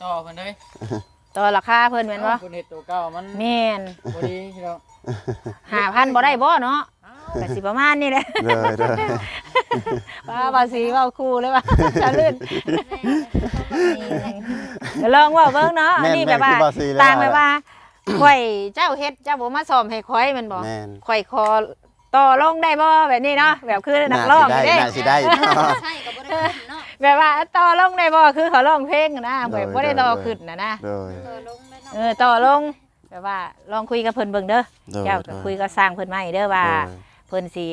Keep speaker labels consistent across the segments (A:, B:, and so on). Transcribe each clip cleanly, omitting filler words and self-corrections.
A: ต่อเพิ่นเด้
B: ต่อราคาเพิ่นแม่นบ่
A: เพิ่นเฮ็ดตัวเก่ามัน
B: แม่น
A: บ่ดีพี่น้อง
B: 5,000บ่ได้บ่เนาะก็สิประมาณนี้แหละ
C: เด้อ
B: ว่าสิเว้าคู่เลยว่าจะลื่นลองเว้าเบิ่งเนาะอันนี้แบบว่าต่างแบบว่าข่อยเจ้าเฮ็ดเจ้าบ่มาซ่อมให้ข่อยแม่นบ่ข่อยขอต่อลงได้บ่แบบนี้เนาะแบบคือนักร้อง
C: เด้
B: น่า
C: สิได้
D: ใช่ก็บ่ได้เนาะ
B: แบบว่าต่อลงได้บ่คือเขาร้องเพลงนะแบบบ่ได้ต่อขึ้นนะต่อลงแบบว่าลองคุยกับเพิ่นเบิ่งเด้อเจ้าก็คุยกับสร้างเพิ่นมาอีกเด้อว่าเพิ่นสิ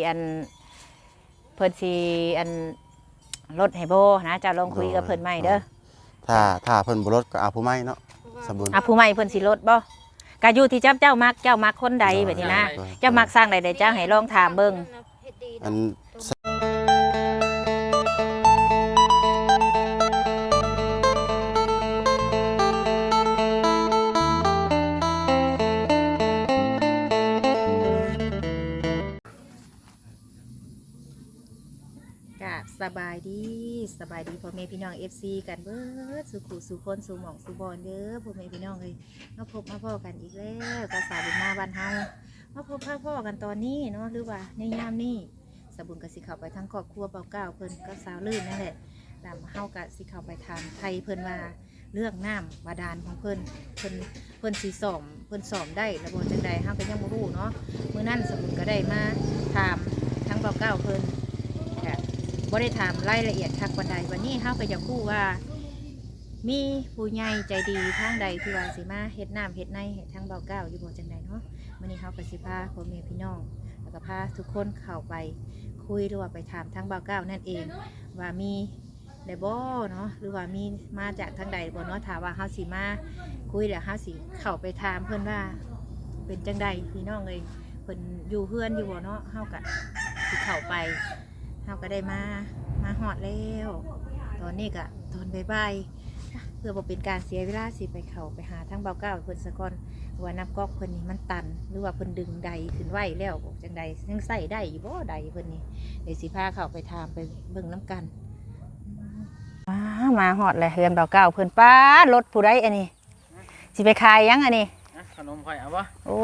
B: อันลดให้บ่นะเจ้าลองคุยกับเพิ่นใหม่เด้อ
C: ถ้าเพิ่นบ่ลดก็เอาผู้ใหม่เนาะสมบูรณ์
B: ผู้ใหม่เพิ่นสิลดบ่ก็อยู่ที่เจ้ามักคนใดแบบนี้นะเจ้ามักสร้างใดเจ้าให้ลองถามเบิ่ง
C: อัน
B: สบายดีพ่อแม่พี่น้อง FC กันเบิดสุขุสุคนสุหม่องสุบอนเด้อพ่อแม่พี่น้องเลยมาพบมาพ่อกันอีกแล้วกระสาบุญมาบ้านเฮามาพบพ่อกันตอนนี้เนาะหรือว่าในยามนี้สบุญกสิเข้าไปทั้งครอบครัวเบาเก้าเพิ่นก็สาวลื่นนั่นแหละแล้วเฮากะสิเข้าไปทางไทยเพิ่นว่าเรื่องน้ำบาดาลของเพิ่นสิสอมเพิ่นสอมได้ระบบจังใดเฮาก็ยังบ่รู้เนาะมื้อนั้นสบุญก็ได้มาถามทั้งเบาเก้าเพิ่นบ่ได้ถามรายละเอียดคักวันใดวันนี้เฮาก็อยากรู้ว่ามีผู้ใหญ่ใจดีทางใดที่ว่าสิมาเฮ็ดน้ำเฮ็ดในเฮ็ดทางเบาเก้าอยู่บ่จังใดเนาะมื้อนี้เฮาก็สิพาพ่อแม่พี่น้องแล้วก็พาทุกคนเข้าไปคุยหรือว่าไปถามทางเบาเก้านั่นเองว่ามีได้บ่เนาะหรือว่ามีมาจากทางใดบ่เนาะถ้าว่าเฮาสิมาคุยแล้วเฮาสิเข้าไปถามเพิ่นว่าเป็นจังใดพี่น้องเอ้ยเพิ่นอยู่เฮือนอยู่บ่เนาะเฮาก็สิเข้าไปเฮาก็ได้มาหอดแล้วตอนนี้ก็ตอนบ่ายเพื่อบ่เป็นการเสียเวลาสิไปไปหาทางเบาเก้าเพิ่นสะก่อนว่าน้ำก๊อกเพิ่นนี่มันตันหรือว่าเพิ่นดึงใดขึ้นไหวแล้วจังใดยังใส่ได้อยู่บ่ใดเพิ่นนี่เดี๋ยวสิพาเข้าไปถามไปเบิ่งน้ำกันมาหอดเลยเฮือนเบาเก้าเพิ่นป้ารถผู้ใดอันนี้สิไปขายยังอันนี้
A: ขนมข่อยเอาบ่
B: โอ้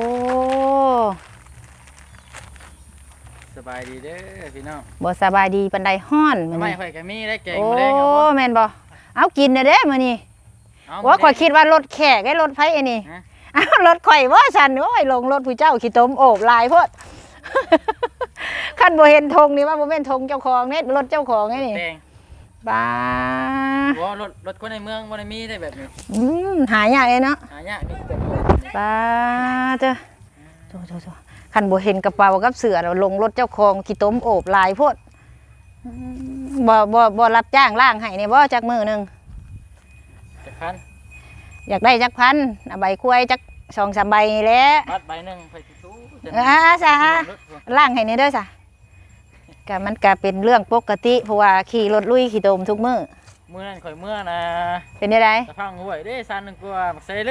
A: สบายดีเด้อพี่น้อง
B: บ่สบายดีปันใดฮ้อน
A: มื้อนี้ข่อยก็มีได้แกง
B: มาแล้งครับบ่แม่นบ่เอากินเด้มื้อนี้ว่าข่อยคิดว่ารถแขกไอ้รถไผอันนี้อ้าวรถข่อยบ่ฉันโอ้ยลงรถผู้เจ้าขี้ตมโอบลายโพดคันบ่เห็นธงนี่ว่าบ่แม่นธงเจ้าของเด้รถเจ้าของไอ้นี่บ้า
A: บ่รถคนในเมืองบ่ได้มีได้แบบนี้
B: หายากเลยเนาะ
A: หายากนี่
B: บ้าเด้อโธ่คันบ่เห็นกระเป๋ากับเสื้อเราลงรถเจ้าของขี้ต้มโอบลายโพดบ่รับจ้างล่างให้เนี่ยบ่จักมื้อนึง
A: จักพัน
B: อยากได้จักพันใบกล้วยจัก2-3 ใบนี่แหละ
A: บัดใบนึงไปตู้
B: ซะล่างให้นี่เด้อซะก็มันก็เป็นเรื่องปกติเพราะว่าขี่รถลุยขี้ต้มทุกมื้อ
A: นั้นข่อยเมื่อนะ
B: เป็นจังได๋
A: ตะพังห้วยเด้ซันนึงกว่ามักใส่ลึ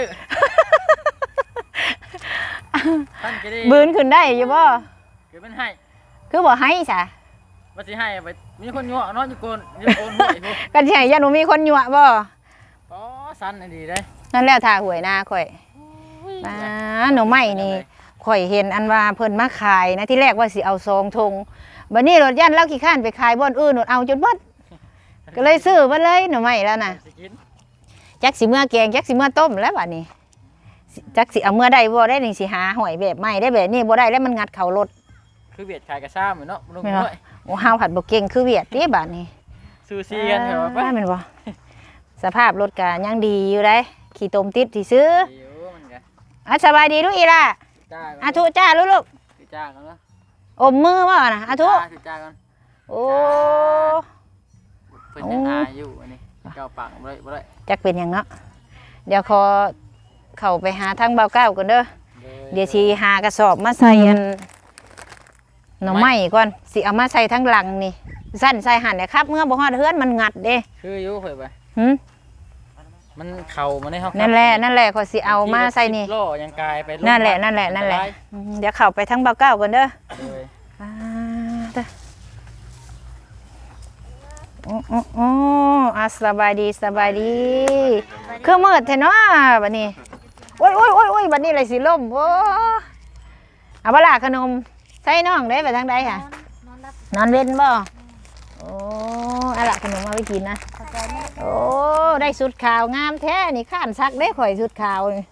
B: บืนขึ้นได้อยู่บ่
A: คือมันให้
B: คือบ่ให้ซะ
A: ว่าสิให้ไปมีคนยั่วเนาะอยู่โกนห้วยพุ่น
B: กันสิให้ยันบ่มีคนยั่วบ่
A: อ๋อซันดีเด้
B: นั่นแล้วท่าหวยนาข่อยหน่อไม้นี่ข่อยเห็นอันว่าเพิ่นมาขายนะที่แรกว่าสิเอา2 ธงบัดนี้รถยันแล้วขี้ข้านไปขายบ่อนอื่นเอาจนเบิดก็เลยซื้อมาเลยหน่อไม้แล้วน่ะจักสิเมื่อแกงจักสิเมื่อต้มแล้วบัดนี้จักสิเอาเมื่อได้บ่ได้นี่สิหาหอยแบบใหม่ได้แบบนี้บ่ได้แล้วมันงัดเข่ารถ
A: คือเวียดขายกระซ่าเหมือนเนาะลุงน้อย
B: โอ้เฮาผัดบ่เก่งคือเวียดนี่บัดนี้
A: ซูซีกันเหรอ
B: ป่ะแม่นบ่สภาพรถก็ยังดีอยู่ได้ขี่ต้มติดสิซื้อสบายดีลูกอีล่ะทุจ้าลูก
A: จ้ากันเนาะ
B: อมมือบ่น่ะทุ
A: จ้ากัน
B: โอ้
A: เพิ่นยังอายอยู่อันนี้เก้าปากบ่ได้
B: จักเป็นหยังเนาะเดี๋ยวขอเข้าไปหาทางเบาเก้าก่อนเด้อเดี๋ยวสิหากระสอบมาใส่หน่อไม้ก่อนสิเอามาใส่ทั้งหลังนี่สั้นใส่หั่นเนี่ยครับเมื่อบ่ฮอดเฮือนมันงัดเด้
A: คืออยู่ข่อยไปมันเข่ามันได้เฮา
B: นั่นแหละขอยสิเอามาใส่นี่
A: ล้อยังกายไป
B: นั่นแหละเดี๋ยวเข้าไปทางเบาเก้าก่อนเด้ออ๋ออ่ะสบายดีสบายดีคือมืดแท้เนาะบัดนี้โอ้ยบัดนี้เลยสิล่มโอ้เอาบ่ล่ะขนมใส่น้องได้ไปทางใดค่ะ
D: นอนรับ
B: นอนเว้นบ่โอ้อะล่ะขนมเอาไปกินนะ
D: เข้าใจไหม
B: โอ้ได้สุดขาวงามแท้นี่ข้านซักได้ข่อยสุดขาวนี่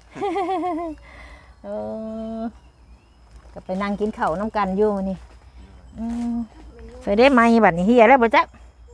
B: เออก็ไปนั่งกินข้าวน้ำกันอยู่นี่ไปได้ไหมบัดนี้เฮียแล้วบ่จ๊ะ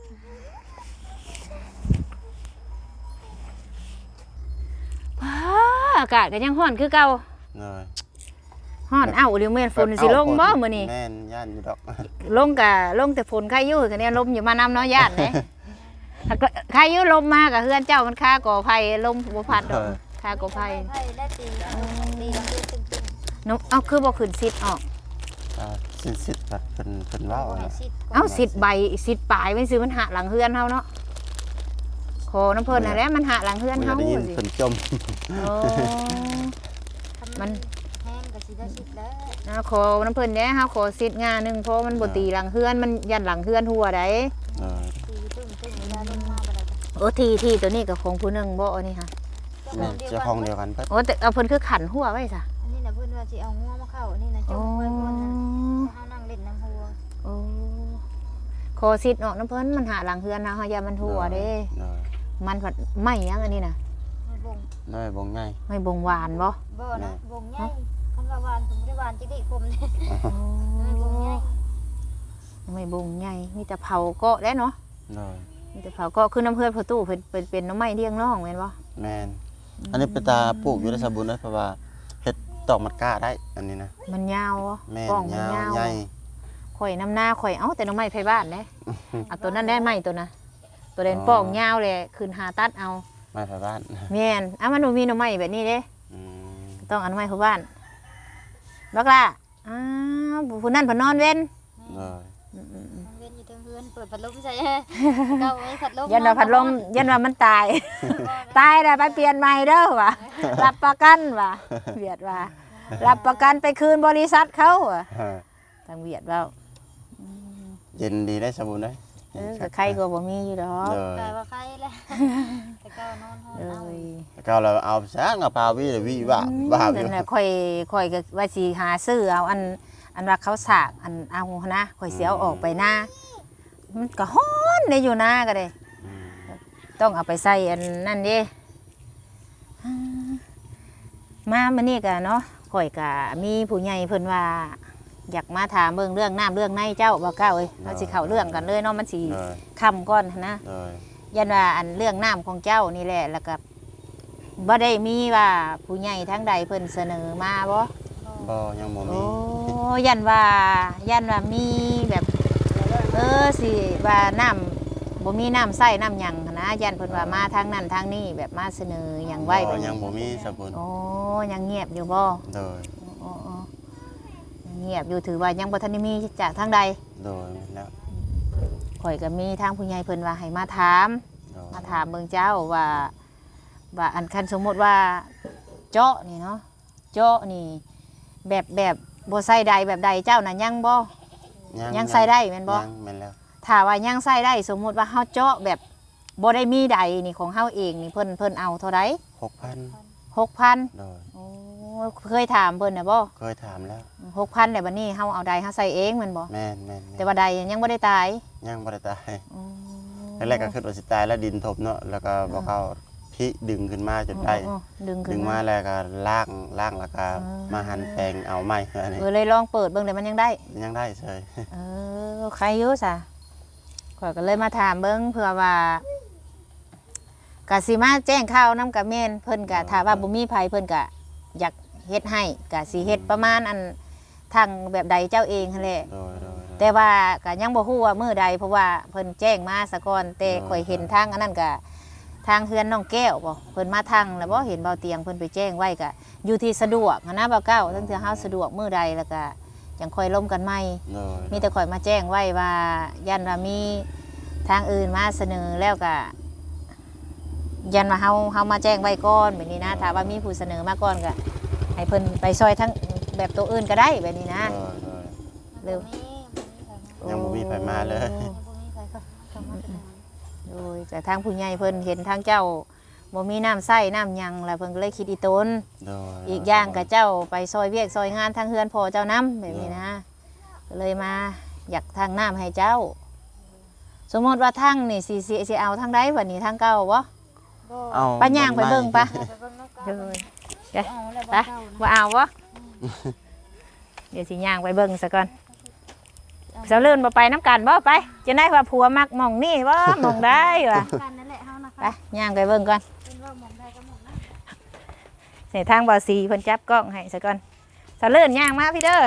B: ว้าอากาศก็ยังร้อนคือเก่า
C: เลย
B: ร้อนเอ้าเดี๋ยวแม่นฝนสิลงบ่มื้อนี้
C: แม่นย่านอยู่ดอก
B: ลงแต่ฝนใครอยู่คะเนี่ยลมอยู่มานำเนาะญาติเด้ใครอยู่ลมมากับเฮือนเจ้ามันค่าก่อไฟลมบ่พัดดอกค่าก่อไฟ
D: ไพ่ได้ตีตีกันตึ้ง
B: น้องเอาคือบ่ขึ้นซิดออก
C: สิทธิ์แบบเป็นว่าว
D: ๆให้
C: นะ
D: ซิด
B: เอาสิดใบสิดปลายมันซื้อมันหาหลังเฮือนเฮาเนาะขอน้ำเพิ่นน่ะแหละมันหาหลังเฮือน
C: ไม่
B: เฮา
C: ได้ยิน
B: สิ
C: เป็นจม
B: โอ้
D: มันแห้งก็สิได้ซิดแล้ว
B: นะขอน้ำเพิ่นแหน่เฮาขอสิดงานหนึงเพราะมันบ่ตีหลังเฮือนมันยันหลังเฮือนหัวได้
D: ตีตึ้งเวลาลงมาบ่ได้
B: โอ้ที่ตัวนี้ก็ของผู้หนึงบ่อันนี้ค่ะ
C: แม่นเจ้าของเดียวกันเพิ่น
B: โอ้แต่เอาเพิ่นคือขันหัวไว้ซะ
D: อันนี้น่ะเพิ่นว่าสิเอางัวมาเข้าอันนี้น่ะจ
B: โอ้
D: งไว้บนนั้นเฮานั่งเล่นน้ำหัว
B: โอ้ขอสิดออกน้ำเพิ่นมันหาหลังเฮือนเฮาอย่ามันหัวเด้
C: เลย
B: มันผัดไหม้ยังอันนี้น่ะ
D: ไม่บ่ง
C: เลยบ่งง่าย
B: ไม่บงหวานบ่
D: บ่นะบ่งใหญ่คันว่าหวานผมบ่ได้หวานจิกดิคมเด้ไม่บ่งใหญ่
B: ไม่บงใหญ่มีแต่เผาเกาะแล้วเนาะ
C: เลย
B: มีแต่เผาเกาะคือน้ำเพื่อนพอตู้เป็นน้ำไม้เลี้ยงน้องแม่นบ่
C: แม่นอันนี้เป็นตาปลูกอยู่ในสบุนนะเพราะว่าเฮ็ดตอกมัดก้าได้อันนี้นะ
B: มันยาวบ่
C: แม่น
B: ป้องมัน
C: ยาวย
B: าว
C: ใหญ่
B: ข่อยน้ำหน้าข่อยเอ้าแต่น้ำไม้ไผบ้านเด้เอาตัวนั้นได้ไหมตัวน่ะตัวเด่นป้องยาวเลยขึ้นหาตัดเอา
C: ไม้ไผบ้าน
B: แม่นมันบ่มีน้ำไม้แบบนี้เด้
C: อืม
B: ต้องเอาน้ำไม้ไผบ้านบักล่ะอ้าวผู้นั้นเพิ่นนอนเว้น
C: เลย
D: เว้นอยู่เทิงเฮือนเปิดพัดลมใส่เก่าไว้พัดลม
B: ยันว่าพัดลมยันว่ามันตาย ตายแล้วไปเปลี่ยนใหม่เด้อว่ะรับประกันว่ะเวียดว่ารับประกันไปคืนบริษัทเขาว่ะทางเวียดว่า
C: เย็นดีได้สบุนได้
B: ก็ใครก็บ่มีอยู่ดอก
C: เลย
D: กลายว่าใครแล้วแต่เก่านอนห้อง
B: เล
D: เอา
B: ย
C: แล้วก็เราเอาซะกับพาวิวิบ้าอ
B: นั่
C: ยู่
B: นน่ะค่อยก็ว่าสิหาซื้อเอาอันว่าเขาสากอันเอานะค่อยสิเอาออกไปหน้ามันก็ฮ้อนได้อยู่หน้าก็ได้
C: อืม
B: ต้องเอาไปใส่อันนั่นเด้มามื้อนี้ก็เนาะข่อยก็มีผู้ใหญ่เพิ่นว่า อยากมาถามเบิ่งเรื่องน้ำเรื่องในเจ้าบ่เก้าเอ้ยเราสิเข้าเรื่องกันเลยเนาะมันสิ
C: เลย
B: ค่ำก่อนนะ
C: เลย
B: ยันว่าอันเรื่องน้ำของเจ้านี่แหละแล้วก็บ่ได้มีว่าผู้ใหญ่ทั้งใดเพิ่นเสนอมาบ่
C: บ่ยังบ่
B: โอ้
C: มี
B: ยันว่ามีแบบสิว่าน้ำบ่มีน้ำใส่น้ำหยังหั้นนะยันเพิ่นว่ามาทางนั้นทางนี้แบบมาเสนอหยังไว้แบบ
C: ยั
B: นี้
C: งบ่มีสบุน
B: โอ้ยังเงียบอยู่บ่
C: เลย
B: โอ้ยังเงียบอยู่ถือว่ายังบ่ทันได้มีจากทางใด
C: เลยแล้ว
B: ข่อยก็มีทางผู้ใหญ่เพิ่นว่าให้มาถาม
C: เลย
B: มาถามเบิ่งเจ้าว่าอันคันสมมติว่าเจาะนี่เนาะเจาะนี่แบบบ่ใส่ใดแบบใดเจ้าน่ะยังบ่ยังใส่ได้แม่นบ่
C: ยังแม่นแล้ว
B: ถ้าว่ายังใส่ได้สมมุติว่าเฮาเจาะแบบบ่ได้มีใดนี่ของเฮาเองนี่เพิ่นเอาเท่าใด
C: 6,000
B: 6,000
C: เลย
B: โอ้เคยถามเพิ่นน่ะบ่
C: เคยถามแล้ว
B: 6,000แล้วบัดนี้เฮาเอาใดเฮาใส่เองแม่นบ่
C: แม่น
B: แต่ว่าใดยังบ่ได้ตาย
C: ยังบ่ได้ตาย
B: อ๋อ
C: แรกๆก็คิดว่าสิตายแล้วดินถมเนาะแล้วก็บ่เข้าพิดึงขึ้นมาจนได้
B: อ๋อดึงขึ้
C: ดึ
B: น
C: ง
B: มา
C: มาแล้วก็ล่างแล้วก็มาหั่นแปลงเอาไม้อันนี้
B: เลยลองเปิดเบิ่งแต่มันยังได้
C: ยังได้เฉย
B: ใครอยู่ซะข่อยก็เลยมาถามเบิ่งเผื่อว่ากะสิมาแจ้งข่าวนํกับแม่นเพิ่นกะถ้าว่าบ่มีไผเพิ่นกะอยากเฮ็ดให้กะสิเฮ็ดประมาณอันทางแบบใดเจ้าเองหั่นแหละ
C: โดย
B: แต่ว่าก็ยังบ่ฮู้ว่ามื้อใดเพราะว่าเพิ่นแจ้งมาซะก่อนแต่ข่อยเห็นทางอันนั้นกะทางเฮือนน้องแก้วบ่เพิ่นมาทางแล้วบ่เห็นเบาเตียงเพิ่นไปแจ้งไว้กะอยู่ที่สะดวกหั้นนะเบาเก้าทั้งที่เฮาสะดวกมื้อใดแล้วก็จังค่อยล้มกันใหม่
C: โดย
B: มีแต่ข่อยมาแจ้งไว้ว่ายันว่ามีทางอื่นมาเสนอแล้วก็ยันว่าเฮามาแจ้งไว้ก่อนแบบนี้นะถ้าว่ามีผู้เสนอมาก่อนก็ให้เพิ่นไปซอยทั้งแบบตัวอื่นก็ได้แบบนี้นะ
C: โดย
B: เร็ว
C: ยังบ่มีไผมาเลย
D: บ่มีใครเข้ามา
B: ยแต่ทางผู้ใหญ่เพิ่นเห็นทางเจ้าบ่มีน้ำใส้น้ำหยังแล้วเพิ่นก็เลยคิดอีตน
C: โดย
B: อีกอย่างกับเจ้าไปซอยเวียกซอยงานทางเฮือนพ่อเจ้าน้ำแบบนี้นะก็เลยมาอยากทางน้ำให้เจ้า สมมติว่าทางนี่สิเอาทางใดวันนี้ทางเก่าบ่
C: เอา
B: ไปย่างไปเบิ่งปะ
D: ไปเบิ่งน้ำกัน
B: เลย
D: เอาแล้ว
B: ไป
D: บ่เจ้านะ
B: บ่เอาบ่เดี๋ยวสิย่างไปเบิ่งซะก่อนเสาเลื่อนบ่ไปน้ำกันบ่ไปจะได้ว่าผัวมักหม่องนี่บ่หม่องได้ว่ะ
D: กันนั่นแหละเฮานะ
B: ไป
D: คะ
B: ย่างไปเบิ่งก่อน
D: เป็นว่าหมองได้ก็หมองนั้น
B: ใส่ทางบ่อสีเพิ่นจับกล้องให้ซะก่อนเสาเลื่อนย่างมาพี่เด้อ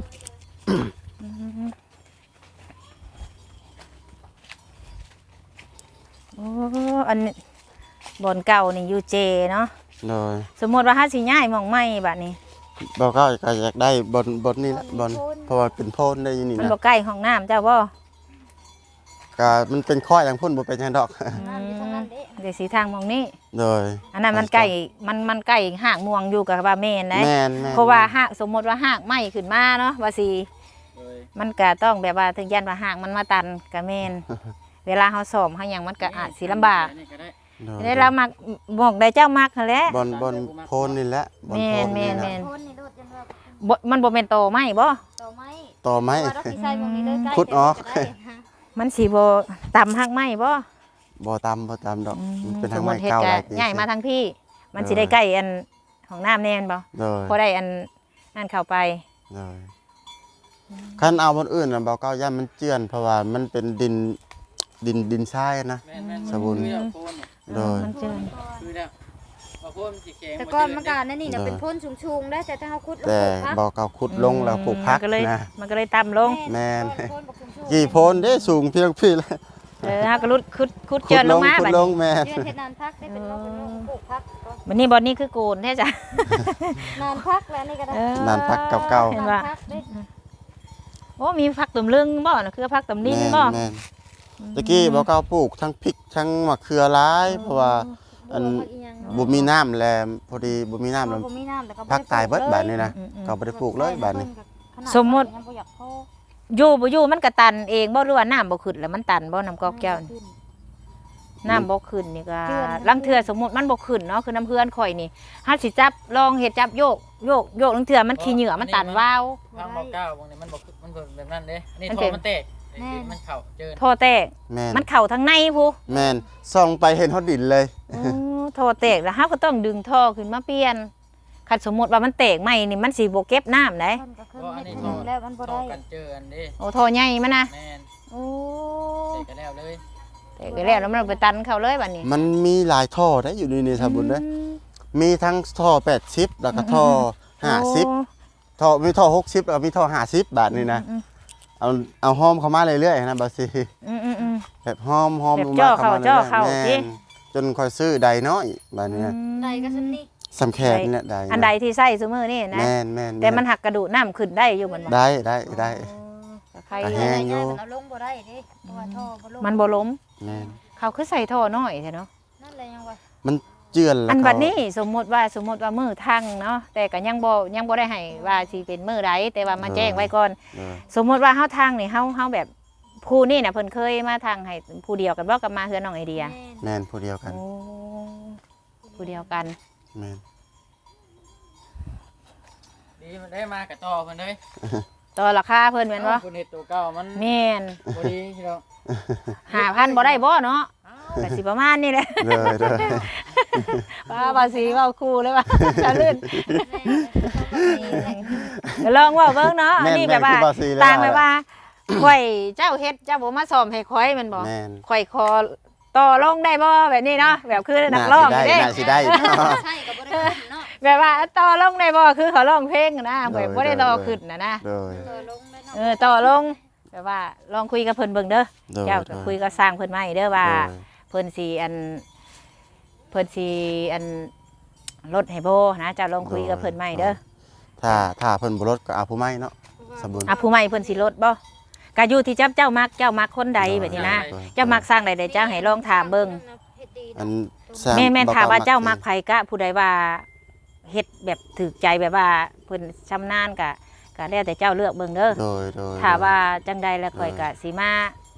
B: โอ้อันนี้บ่อนเก่านี่อยู่เจเนาะ
C: โดย
B: สมมติว่าเฮาสิย้ายหม่องใหม่บัดนี้
C: บ่ก็อยากได้บนนี่แหละบนเพราะว่าเป็นโพนได้อยู่นี่
B: มัน
C: นะ
B: บ่ใกล้ห้องน้ำเจ้าบ่
C: ก็มันเป็นข้ออย่างพุ่นบ่เป็นหยังดอก
D: น้ำอยู่ตรงนั้นเด้
B: เดี๋ยวสีทางหมองนี้
C: โดย
B: อันนั้นมันใกล้มันใกล้หากม่วงอยู่กับว่าแม่นนะ
C: แม่น
B: เพราะว่าหากสมมติว่าหากไหม้ขึ้นมาเนาะว่าสิ
A: โดย
B: มันก็ต้องแบบว่าถึงยันว่าหากมันมาตันก็แม่น เวลาเฮาซ่อมเฮาหยังมันก็อาจสิลำบาก
A: นี่ก็ได้
C: โดย
B: ได้เรามักบอกได้เจ้ามักหั่นแหละ
C: บนโพนนี่แหละบน
B: แม่
C: โพ
B: น
C: น
B: แม่
C: นี่
B: น
C: แห
B: แม่
C: ละ
B: น
D: โคนนี่โดดจนว่า
B: มันบ่แม่นโตไหม้บ่
D: ต่อไม้
C: ต่อไม้
D: ว่าเราสิใส่หมองนี้เลยใกล้
C: ขุดออก
D: แต่ว่าจะได้
B: มันสิบ่ต่ำหักไหม้บ่
C: บ่ตำดอกมันเป็น
B: ส
C: ทาง
B: มมุ
C: ไม้
B: ติเฮ็ด
C: เก่า
B: ก็
C: หลายปี
B: ย้ายมาทางพี่ มันสิได้ใกล้อันของน้ำแน่นบ่
C: โดย
B: พอได้อันนั่นเข้าไป
C: เลยคันเอาบนอื่นน่ะเบาเก้าย่านมันเจือนเพราะว่ามันเป็นดินทรายนะ
A: แม่นแม่น
C: สบุญ
A: คือแล้วโคนเนี่ย
C: โดย
B: มันเจิน
A: คือแล้วว่าโคนมันสิแข็ง
D: แต่ก่อนมัน
A: ก็
D: ก็นั่นนี่น่ะเป็นพ่นสูงๆได้แต่ถ้าเฮาขุดลง
C: แต่
D: พัก
C: เบาเก้าขุดลงแล้วปลูกพัก
B: มันก็เลย
C: นะ
B: มันก็เลยต่ำลง
C: แม่น
D: โคนบักสูงๆ
C: กี่โพนได้สูงเพียงพี่แล้ว
B: ฮะก็รุดคุดเจินลงมา
C: ขุ
B: บั
C: ด
B: ด
C: ล
B: นี้
C: งแม่น
D: เดือนเฮ็ดนานพักได้เป็นปลูกพักก็
B: บัดนี้บอนนี้คือโกนแท้จ้ะ
D: นานพักแล้วนี่ก็ได้
C: นานพักเก่า
B: เห็น
D: นาน
B: ว่า
D: พักได้
B: โอ้มีผักตุ่มลึงบ่น่ะคือผักตุ่ม
C: ๆ
B: นิ่น
C: แม่น
B: บ่
C: แม่นตะกี้เบาเก้าปลูกทั้งพริกทั้งมะเขือหลายเพราะว่าอัน บ่มีน้ำแลพอดีบ่มีน้ำแล้ว
D: บ่มีน้ำแต่ก็บ่
C: พักตายเบิด
D: ได้
C: บาดนี้นะก็บ่ได้ปลูกเลยบาดนี้
B: สมมุติ
D: ยังบ่อยากพอ
B: อยู่บ่อยู่มันก็ตันเองบ่หรือว่าน้ำบ่ขึ้นแล้วมันตันบ่น้ำกอกแก้วนี่น้ำบ่ขึ้นนี่ก็ลังเทื่อสมมุติมันบ่ขึ้นเนาะคือน้ำเพื่อนข่อยนี่เฮาสิจับลองเฮ็ดจับโยกลังเทื่อมันขี้เหงื่อมันตันวาว
A: ทางเบาเก้าบางนี้มันบ่มันบ่แบบนั้นเด้นี่
B: มัน
A: ท
B: เป็
A: อน มันแตกมันเข้าเจิน
B: โทแตก
C: แม่น
B: มันเข้าทางในพู
C: แม่นส่องไปเห็นฮอดดินเลย
B: โอ้โทแตกแล้วเฮาก็ต้องดึงท่อขึ้นมาเปลี่ยนคันสมมุติว่ามันแตกใหม่นี่มันสิบ่เก็บน้ำได้
D: เพิ่นก็ขึ้นเฮ็ดให้แล้วมันบ่
A: ต่อ
D: ได้
A: กันเจออันนี้
B: โอ้ท่อใหญ่มันนะ
A: แม่น
B: โอ้
A: เสร็จกันแล้วเลย
B: แตกไปแล้วแล้วมันไปตันเข้าเลยบัดนี้
C: มันมีหลายท่อได้อยู่นี่สาบุญเด้อมีทั้งท่อ80แล้วก็ท่อ50ท่อมีท่อ60แล้วก็มีท่อ50บาทนี่นะเอาหอมเข้ามาเรื่อยๆนะบาซี
B: อืม
C: แบบหอม
B: แบบ
C: ลง
B: จ่
C: มา
B: อเข้า
C: รื่อยๆ
B: จ่อเข้า
C: แม่น
B: สิ
C: จนค่อยซื้อใดน้อยบาดนี้นะ
D: ใดก็ซั่นนี่
C: สำแขนเนี่ยใด
B: อันใดที่ใส่ซุมื้อนี่นะ
C: แม่น
B: แต่มันหักกระดูกน้ำขึ้นได้อยู่มันบ่
C: ได้
B: ก็ใคร
C: ก็
D: แ
C: แห้งอยู่
D: มันเอาลงบ่ได้เด้เพราะว่าท่อบ่ลง
B: มันบ่ล้ม
C: แม่น
B: เขาคือใส่ท่อน้อยแท้เนาะ
D: นั่นแหละยังว่า
C: มันเจือนแล้ว
B: อัน
C: เขา
B: บัดนี้สมมุติว่ามือทั้งเนาะแต่ก็ยังบ่ได้ให้ว่าสิเป็นมือใดแต่ว่ามาแจ้งไว้ก่อน
C: เออ
B: สมมุติว่าเฮาทางนี่เฮาแบบผู้นี่น่ะเพิ่นเคยมาทางให้ผู้เดียวกันบ่กับมาเฮือนน้องไอเดีย
C: แม่นผู้เดียวกัน
B: โอ้ผู้เดียวกัน
C: แม่น
A: ดีมันได้มากับต่อเพิ่นเลย
B: ต่อราคาเพิ่นแม่นบ่
A: คุณเฮ็ดตัวเก่ามัน
B: แม่น
A: บ่ดีพี่น้อง
B: 5,000บ่ได้บ่เนาะก็สิประมาณนี้แหละ
C: เลย
B: ว่าภาษีเว้าคู่เลยว่าจะลื่นเดี๋ยวลองเว้าเบิ่งเนาะอันนี้แบบว่า ต่างแบบว่าข่อยเจ้าเฮ็ดเจ้าบ่มาซ่อมให้ข่อยแมันบ่
C: แม่น
B: ข่อยขอต่อลงได้บ่แบบนี้เนาะแบบคือนักร้อง
C: น่า
B: นี่เด้
C: สิได้
D: ใช่ก็บ่ได้ขึ้นเนาะ
B: แบบว่าต่อลงได้บ่คือเขาร้องเพลงนะแบบบ่ได้ต่อขึ้นนะ
C: เลย
D: ลงได้เนาะ
B: ต่อลงแบบว่าลองคุยกับเพิ่นเบิ่งเด้อ
C: เลย
B: เจ้าก็คุยกับสร้างเพิ่นมาอีกเด้อว่า
C: เลย
B: เพิ่นสิอันลดให้โบนะเจ้าลองคุยกับเพิ่นใหม่เด้อ
C: ถ้าเพิ่นบ่ลดก็เอาผู้ใหม่เนาะสมบูรณ์
B: อ่ะผู้ใหม่เพิ่นสิลดบ่ก็อยู่ที่เจ้ามักคนใดแบบนี้นะ เจ้ามักสร้างใดเจ้าให้ลองถามเบิ่ง
D: เฮ็ดดี
C: อัน
B: แม่นถามว่าเจ้ามักไผกะผู้ใดว่าเฮ็ดแบบถูกใจแบบว่าเพิ่นชำนาญก็แล้วแต่เจ้าเลือกเบิ่งเด้อ
C: โดย
B: ถ้าว่าจังใดแล้วข่อยก็สิมา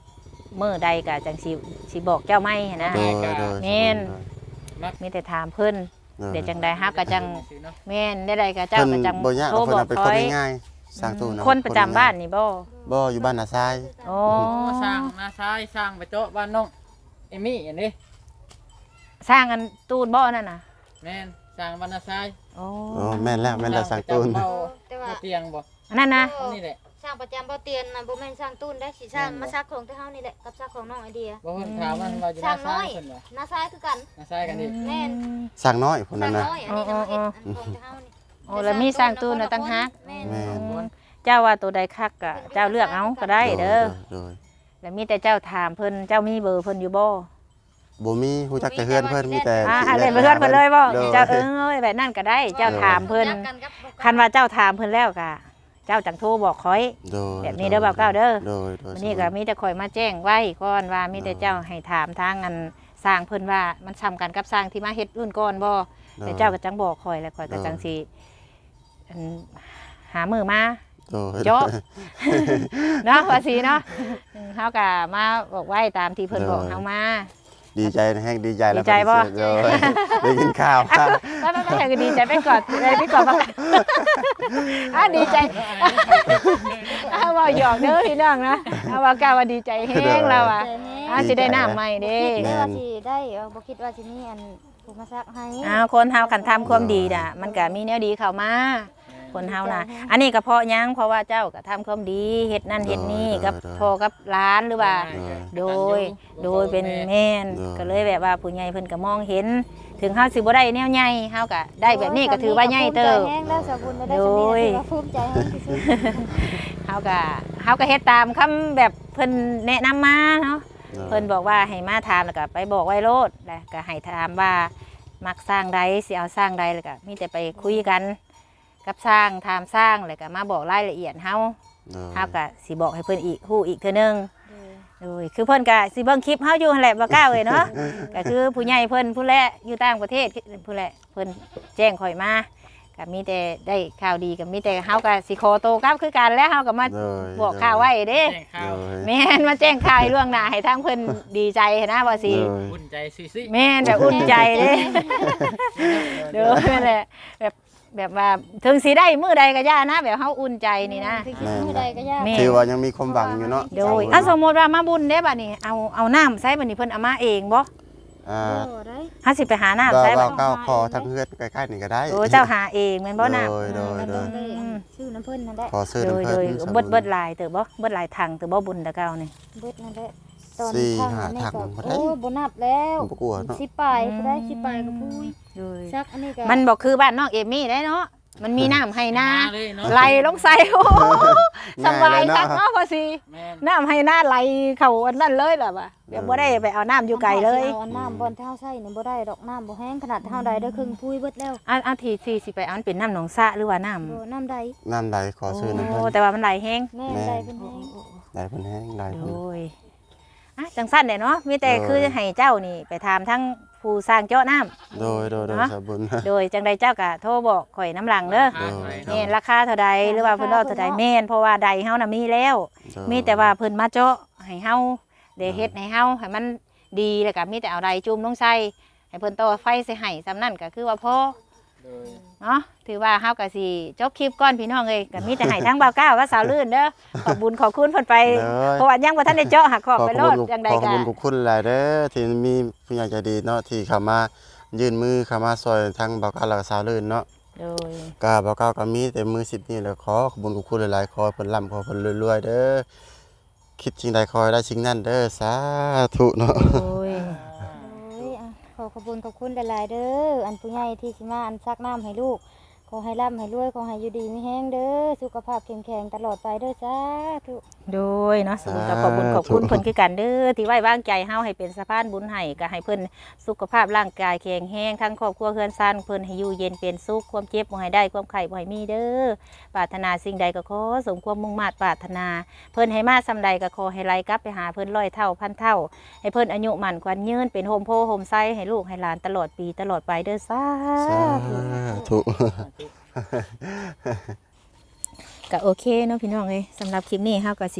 B: มื้อใดก็จังสิบอกเจ้าไม่หั้นนะ
C: โดยโดย
B: แม่น มีแต่ถามเพิ่นเดี๋ยวจังใดฮักก็จังแม่นได้ใดก็เจ้า
C: เพิ่น
B: ก็จัง
C: บ่ยาก
B: โทร
C: เพิ่
B: บ
C: น
B: อก
C: เป็น
B: ค
C: คน
B: อย
C: ง่ายๆสร้างตู้นะ
B: คนประจำบ้านนี่บ่
C: บ่อยู่บ้านนาทราย
B: โอ้
A: สร้างนาซ้ายสร้างไปโต๊ะบ้านน้องเอมี่อย่างนี้
B: สร้างกันตูนบ่นั่นน่ะ
A: แม่นสร้างบ้านนาซ้าย
B: โอ้
C: โอ้แม่นแล้วสร้างตู้
A: เบา
D: แต่ว่า
A: เตียงบ่
B: อันนั้นนะ
A: อันนี่แหละ
D: สร้างประจำบ่เตียนน่ะบ่แม่นสร้างตู้นได้สิสร้างมาซักของแต่เฮานี่แหละกับซักของน้องไอเดีย
A: บ่เพิ่นถามว่าเราจะ
D: สร้า
A: น่าง
D: น้
A: ซ้า
D: อย ย
A: เพิ่นบ่
D: นาซ้ายคือกัน
A: นาซ้ายกันนี่
D: แม่น
C: สร้างน้อยพุ่น
D: สร้า
C: นั้น
D: ง
C: นะ
D: น้อยอันนี้น่ะมาเฮ็ดอันของแต่เฮานี่
B: โอ้แล้วมีสร้างตูนน่ะตั้งฮัก
D: แม่น
C: แม่น
B: เจ้าว่าตัวใดคักก็เจ้าเลือกเอาก็ได้เด้อ
C: โดย
B: แล้วมีแต่เจ้าถามเพิ่นเจ้ามีเบอร์เพิ่นอยู่บ่
C: บ่มีฮู้จักแต่เฮือนเพิ่นมีแต่
B: เล่นไปเพิ่นเพิ่นเลยบ่
C: โดย
B: เจ้าแบบนั้นก็ได้ เจ้าถามเพิ่น
D: จักกักับ
B: คันว่าเจ้าถามเพิ่นแล้วก็เจ้าจังโทรบอกคอย
C: โดย
B: แบบนี้เด้อบ่าวเก้าเด้อ
C: โดยโดย
B: วันนี้ก็มีแต่คอยมาแจ้งไว้ก่อนว่ามีแต่เจ้าให้ถามทางอันสร้างเพิ่นว่ามันซ้ำกันกับสร้างที่มาเฮ็ดรุ่นก่อนบ่แต่เจ้าก็จังบอกคอยแล้วคอยก็จังสิอันหามือมา
C: โดย
B: โจ๊ะ เนาะว่าสิเนาะเฮาก็มาบอกไว้ตามที่เพิ่นบอกเฮามา
C: ดีใจนะแฮงดีใจแล้ว
B: ดีใจบ่
C: โดยได้กินข้าว
B: ไปก็ดีใจไปก่อนไปก่อนบ่ดีใจว่าหยอกเด้อพี่น้องนะว่าก้าวว่าดีใจแฮงแล้วอ่ะสิได้น้ำใหม่เด้
D: คิดได้ว่าสิได้บ่คิดว่าสิมีอันผู้มาซักให้
B: คนเฮาคันทำความดีน่ะมันก็มีแนวดีเข้ามาคนเฮาน่ะอันนี้ก็เพราะหยังเพราะว่าเจ้าก็ทำความดีเฮ็ดนั่นเฮ็ดนี่กับพ่อกับหลานหรือว่า โดยเป็นแม่นก็เลยแบบว่าผู้ใหญ่เพิ่นก็มองเห็น ถึงเฮาสิบ่ได้แนวใหญ่เฮาก็ได้แบบนี้ก็ถือว่าใหญ่เติบ
D: แห้งแล้วสาวบุญได้สำนี้ถือว่าภูมิใจแห้งที่สุด
B: เฮาก็เฮ็ดตามคำแบบเพิ่นแนะนำมาเนาะเพิ่นบอกว่าให้มาถามแล้วก็ไปบอกไว้โลดแล้วก็ให้ถามว่ามักสร้างใดสิเอาสร้างใดแล้วก็มีแต่ไปคุยกันกับสร้างถามสร้างแล้วก็มาบอกรายละเอียดเฮาก็สิบอกให้เพิ่นอีกฮู้อีกเทื่อนึงโดยคือเพิ่นก็สิเบิ่งคลิปเฮาอยู่หั่นแหละบ่กล้าเอ้ยเนาะ ก็คือผู้ใหญ่เพิ่นผู้แลอยู่ต่างประเทศผู้แลเพิ่นแจ้งข่อยมาก็มีแต่ได้ข่าวดีก็มีแต่เฮาก็สิขอโตกลับคือกันแล้วเฮาก็มาบอกข่าวไว้เด้
A: แจ้งข่าว
B: แม่นมาแจ้งข่าวให้ล่วงหน้าให้ทางเพิ่นดีใจนะว่าสิ
A: อุ่นใจซิ
B: แม่นแบบอุ่นใจเด้เด้อนั่นแหละแบบว่าถึงสิได้มื้อใดก็ย่านะแบบเฮาอุ่นใจนี่นะ
D: คือคิดมื้อใดก็ยาก
B: แม่
C: ถือว่ายังมีความหวังอยู่เนาะ
B: โดยสมมุติว่ามาบุญเด้บัดนี้เอาน้ำใส่บัดนี้เพิ่นเอามาเองบ่
D: ได้
B: เฮาสิไปหาน้ำ
C: บ่
B: ใส่
C: ว่า
B: บัด
C: ก้าวคอทั้งเฮือนใกล้ๆนี่ก็ได้
B: โอ้เจ้าหาเองแม่นบ่น้ำ
C: โดย
D: ชื่อน้ำเพิ่นนั่นแหละ
C: ขอซื้อ
B: โด
C: น้ำ
B: ย
C: เพิ่
B: โด
C: น
B: ยเบิดหลายเติบบ่เบิดหลายถังเติบบ่บุญตะเก้านี่
D: เบิดนั่นแหละตอน
C: สี่
D: ข้าง
C: ห้า
D: อันนี้
C: ถัง
D: ก็
C: บ่ได้
D: โอ้บ่นับแล้ว
C: บ่กลัวเนาะ
D: สิปลายก็ได้สิปลายก็พุ้ย
B: โดย
D: ซักอันนี้ก็
B: มันบอกคือบ้านน้องเอมี่ได้เนาะมันมีน้ำให้นา
A: เลยเนาะ
B: ไหลลงใส่โอ้โหสบาย
C: ง่
B: คั
C: เล
B: ก
C: เนาะ
B: เนาะพอสิ
A: แม่น
B: น้ำให้นาไหลเข้าอันนั้นเลยล่ะว่ะเดี๋ยวบ่ได้ไปเอาน้ำอยู่ไกลเลย
D: เอาน้ำบอนเท้าใส่นี่บ่ได้ดอกน้ำบ่แห้งขนาดเท้าใดได้ครึ่งพุ้ยเบิดแล้ว
B: เอาทีสิไปเอามันเป็นน้ำหนองสระหรือว่าน้
D: บ่น้ำใด
C: น้ำใดขอ
B: ำ
C: ซื้อน้ำ
B: โอ้
C: เพิ่น
B: แต่ว่ามันไหลแห้ง
D: แม่นใดเป็นแห้ง
C: ได้เพิ่นแห้งได้
B: โด
C: เพิ่น
B: ยอ่ะจังสั้นเด้เนาะมีแต่
C: โดย
B: คือให้เจ้านี่ไปถามทั้งผู้สร้างเจาะน้ำ
C: โดยสาบุญ
B: โดยจังใดเจ้าก็โทรบอกข่อยน้ำหลังเด้อ แม่นราคาเท่าใดหรือว่าเพิ่นเอาเท่าใดแม่นเพราะว่าใดเฮาน่ะมีแล้ว มีแต่ว่าเพิ่นมาเจาะให้เฮาได้เฮ็ดให้เฮาให้มันดีแล้วก็มีแต่เอาใดจุ่มลงใส่ให้เพิ่นต่อไฟใส่ให้ซำนั้นก็คือว่าพอ
A: โดย
B: เนาะถือว่าเฮาก็สิจบคลิปก่อนพี่น้องเอ้ยก็มีแต่ให้ทั้งบ่าวก้าวกับสาวลื่นเด้อขอบบุญขอบคุณเพิ่นไปเพราะว่ายังบ่ทันได้เจาะหักขอบไปโลดจังใด
C: ขอข
B: ก็
C: อบคุณขอบคุณหลายเด้อที่มีผู้ใหญ่ใจดีเนาะที่เข้ามายื่นมือเข้ามาซอยทั้งบ่าวก้าวและสาวลื่นเนาะ
B: โดย
C: ก็บ่าวก้าวก็มีแต่มือ10นี่แหละขอขอบคุณขอบคุณหลายๆขอให้เพิ่นร่ำขอให้เพิ่นรวยๆเด้อคิดสิ่งใดขอให้ได้สิ่งนั้นเด้อสาธุเนาะ
B: โอ้ย
D: โอ้ยอ่ะขอบคุณหลายๆเด้ออันผู้ใหญ่ที่สิมาอันซักน้ำให้ลูกขอให้ร่ำให้รวยขอให้อยู่ดีมีแห้งเด้อสุขภาพเข้มแข็งตลอดไปเด้อสาธุ
B: โดยเนาะสมุนก็ขอบบุญขอบคุณเพิ่นคือกันเด้อที่ไว้วางใจเฮาให้เป็นสะพานบุญให้ก็ให้เพิ่นสุขภาพร่างกายแข็งแรงทั้งครอบครัวเฮือนซ่านเพิ่นให้อยู่เย็นเป็นสุขความเจ็บบ่ให้ได้ความไข้บ่ให้มีเด้อปรารถนาสิ่งใดก็ขอสมความมุ่งมั่นปรารถนาเพิ่นให้มาซำใดก็ขอให้ไหลกลับไปหาเพิ่น100 เท่าพันเท่าให้เพิ่นอายุมั่นขวัญยืนเป็นโฮมโพโฮมไซให้ลูกให้หลานตลอดปีตลอดไปเด้อสา
C: สา
B: ธุ
C: ธุ
B: ก็โอเคเนาะพี่น้องเอ้ยสำหรับคลิปนี้เฮาก็สิ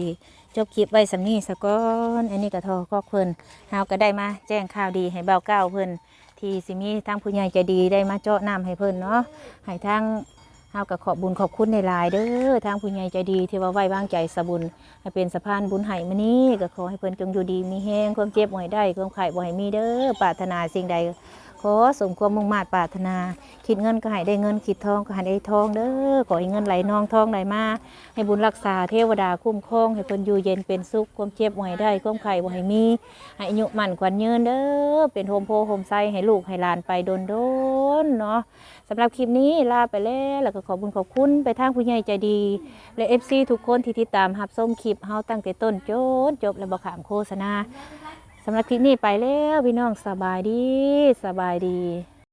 B: จบคลิปไว้สำนี้สะก้อนอันนี้ก็ทอก็เพิ่นเฮาก็ได้มาแจ้งข่าวดีให้เบาเก้าเพิ่นที่สิมีทางผู้ใหญ่ใจดีได้มาเจาะน้ำให้เพิ่นเนาะให้ทางเฮาก็ขอบบุญขอบคุณในหลายๆเด้อทางผู้ใหญ่ใจดีที่ว่าไว้วางใจสะบุญให้เป็นสะพานบุญให้มื้อนี้ก็ขอให้เพิ่นจงอยู่ดีมีแฮงความเจ็บบ่ให้ได้ความไข้บ่ให้มีเด้อปรารถนาสิ่งใดขอสมความมุ่งมา่ปรารถนาคิดเงินก็ให้ได้เงินคิดทองก็ให้ได้ทองเด้อขอให้เงินไหลนองทองไหลมาให้บุญรักษาเทวดาคุ้มครองให้เพิ่นอยู่เย็นเป็นสุขความเจ็บบ่ให้ได้ความไข้บ่ให้มีให้อายุมั่นขวัญยืนเด้อเป็นโฮมโพโฮมไซให้ลูกให้หลานไปโดนๆเนาะสำหรับคลิปนี้ลาไปแล้วก็ขอบคุณขอบคุณไปทางผู้ใหญ่ใจดีและ FC ทุกคนที่ติดตามรับชมคลิปเฮาตั้งแต่ต้นจนจบและบ่ขามโฆษณาสำหรับคลิปนี้ไปแล้วพี่น้องสบายดี